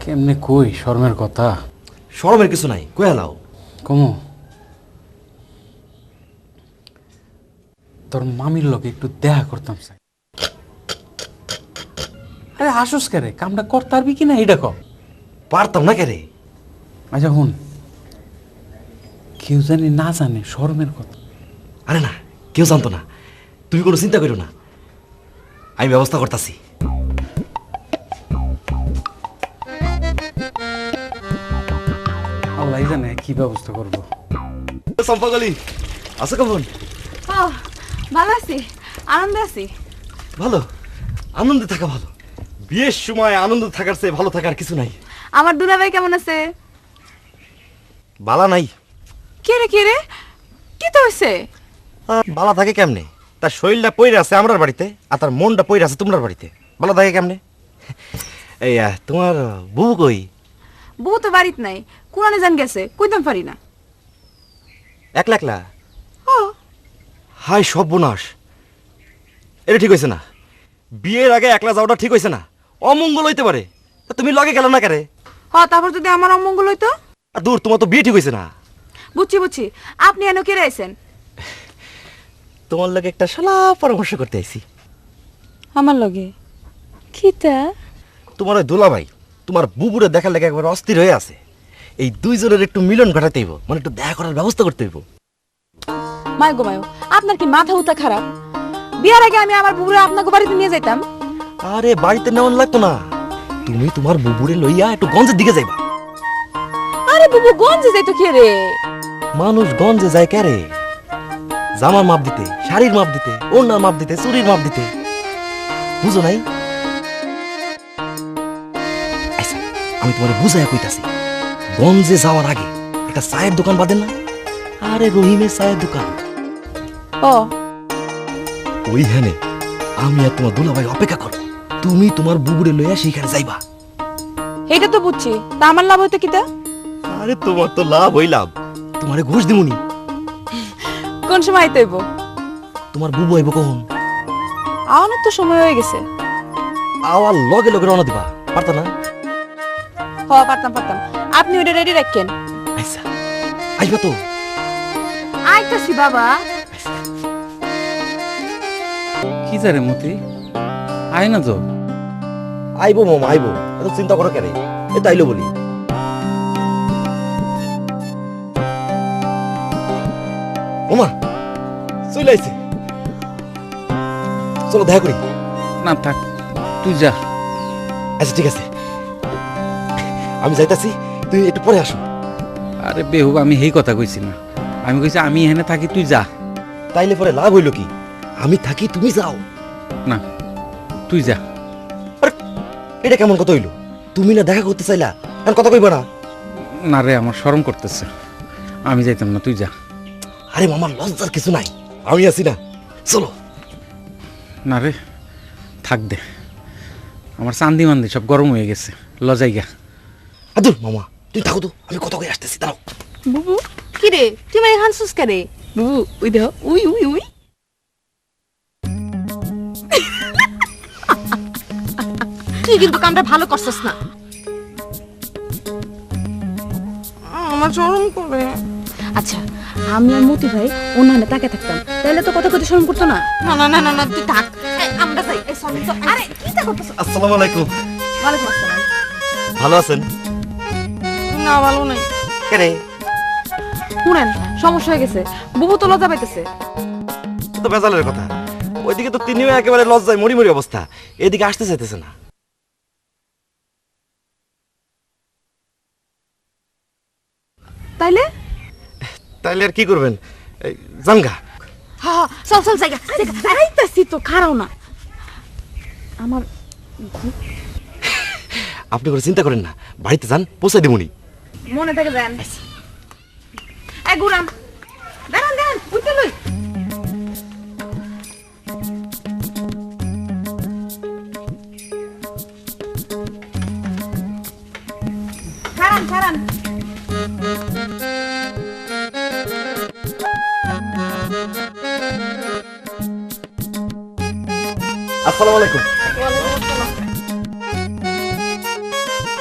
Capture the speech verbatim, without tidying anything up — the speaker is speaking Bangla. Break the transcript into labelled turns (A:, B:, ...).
A: কেমনে কই শর্মের কথা?
B: শরমের কিছু নাই, কয়ে লাও।
A: কমু তোর মামির লগে একটু দেখা করতাম চাই। আরে হাসুস কে রে, কামটা করতে পারবি কিনা এটা কর।
B: পারতাম না কে রে?
A: আচ্ছা হুন, কেউ জানি না জানে শর্মের কথা।
B: আরে না, কেউ জানতো না, তুমি কোনো চিন্তা করো না, আমি ব্যবস্থা করতেছি।
A: আল্লাহ জানে কি ব্যবস্থা করবো।
B: চম্পাকলি আছো কেমন?
C: ও ভালো আছি, আনন্দে আছি।
B: ভালো, আনন্দে থাকা ভালো। বিয়ের সময় আনন্দ থাকার চেয়ে ভালো থাকার কিছু নাই।
C: আমার দুলাভাই কেমন আছে?
B: বালা নাই।
C: কে রে কে রে, কি তো হয়েছে?
B: আহ, বালা থাকে কেমনে? তার শরীরটা পইরে আছে আমরার বাড়িতে, আর তার মনটা পইরে আছে তোমার বাড়িতে। বালা থাকে কেমনে? এই আহ, তোমার বউ কই?
C: বউ তো বাড়িত নাই, কোরআনে জান গেছে, কইতাম পারি না।
B: একলা একলা?
C: ও
B: হাই সর্বনাশ, এটা ঠিক হয়েছে না। বিয়ের আগে একলা যাওয়াটা ঠিক হয়েছে না, অমঙ্গল হইতে পারে। তা তুমি লগে গেল না কেরে?
C: হ, তারপর যদি আমার অমঙ্গল হইতো?
B: আর দূর, তোমার তো বিয়ে ঠিক হয়েছে না।
C: বুঝছি বুঝছি, আপনি এনে কে আইছেন?
B: তোমার লগে একটা শালা পরামর্শ করতে আইছি।
C: আমার লগে কিতা?
B: তোমার ওই দুলাভাই তোমার বুবুরে দেখার লেগে একবার অস্থির হয়ে আছে। এই দুইজনের একটু মিলন ঘটাতে হইব, মানে একটু দেখা করার ব্যবস্থা করতে হইব।
C: মায় গো মায়ো, আপনার কি মাথা উতা খারাপ? বিয়ার আগে আমি আমার বুবুরে আপনাকে বাড়িতে নিয়ে যাইতাম।
B: আরে বাড়িতে নেওয়ান লাগতো না, তুমি তোমার বুবুরে লইয়া একটু গঞ্জের দিকে যাইবা।
C: আরে বুবু গঞ্জে যাইতো কে রে?
B: মানুষ গঞ্জে যায় কে রে? জামার মাপ দিতে, শাড়ির মাপ দিতে, ওড়নার মাপ দিতে, চুরির মাপ দিতে। বুঝো নাই? আচ্ছা, আমি তোমার বুঝাইয়া কইতাছি। গঞ্জে যাওয়ার আগে একটা চায়ের দোকান বাঁধেন না? আরে রহিমের চায়ের দোকান।
C: ও
B: ওইখানে আমি আর তোমার দুলাভাই অপেক্ষা করব। তুমি তোমার বুবুরে লইয়া সেইখানে যাইবা।
C: এটা তো বুঝছি, তা আমার লাভ হইতো কিতা?
B: আরে তোমার তো লাভ হই লাভ, তোমারে ঘুষ দিমুনি।
C: কোন সময় আইতে হইব?
B: তোমার বুবু আইব কখন?
C: আওয়ানোর তো সময় হয়ে গেছে।
B: আওয়ার লগে লগে রওনা দিবা, পারতা না?
C: হ পারতাম পারতাম, আপনি ওটা রেডি রাখেন।
B: আচ্ছা, আইবা তো?
C: আইতাছি বাবা।
A: কি জারে মতি, আয় না তো।
B: আইবো মামা আইবো, এত চিন্তা করো কেন? এ তাইলো বলি। মামা চলে আইছে, চলো দেখা করি।
A: না থাক, তুই যা।
B: আচ্ছা ঠিক আছে, আমি যাইতাছি, তুই একটু পরে আসো।
A: আরে বেহুব, আমি সেই কথা কইছি না, আমি কইছি আমি এখানে থাকি, তুই যা।
B: তাইলে পরে লাভ হইল কি? আমি থাকি, তুমি যাও।
A: না তুই যা।
B: আরে এটা কেমন কথা হইলো? তুমি না দেখা করতে চাইলা, এখন কথা কইবা না?
A: না রে, আমার শরম করতেছে, আমি যাইতাম না, তুই যা।
B: আরে মামা লজ্জার কিছু নাই, আমি আছি না, চলো।
A: না রে থাক দে, আমার চান্দি মান্দি সব গরম হয়ে গেছে, লজাই গা।
B: আদুর মামা তুই থাকো তো, আমি কথা কই আসতেছি, দাঁড়াও।
C: বুবু কি রে, তুই মানে হানসুস কে রে? বুবু উই দেখ, উই উই উই। তুই কিন্তু কামটা ভালো করছস না। আমার শরম করে। আচ্ছা, আমি আর মতি ভাই অন্যান্য তাকে থাকতাম, তাহলে তো কথা কইতে শরম করতো না। না না না না না, তুই থাক, আমরা যাই। এই সরি তো, আরে কি তা করতেছ?
B: আসসালামু আলাইকুম।
C: ওয়ালাইকুম আসসালাম।
B: ভালো আছেন?
C: না ভালো নাই।
B: কে রে?
C: শুনেন, সমস্যা হয়ে গেছে, বুবু তো লজ্জা পাইতেছে।
B: তো বেজালের কথা, ওইদিকে তো তিনিও একেবারে লজ্জায় মরি মরি অবস্থা, এদিকে আসতে চাইতেছে না।
C: তাইলে
B: তাইলে আর কি করবেন? এই, জানগা।
C: হা হা, চল চল জায়গা জায়গা আইতাছি তো, খারাও না আমার।
B: আপনি করে চিন্তা করেন না, বাড়িতে যান, পৌঁছে দিবনি।
C: মনে থেকে দেন। এই গুরাম, দাঁড়ান দাঁড়ান, উঠতে লই। খারান খারান।
B: আসসালামু আলাইকুম।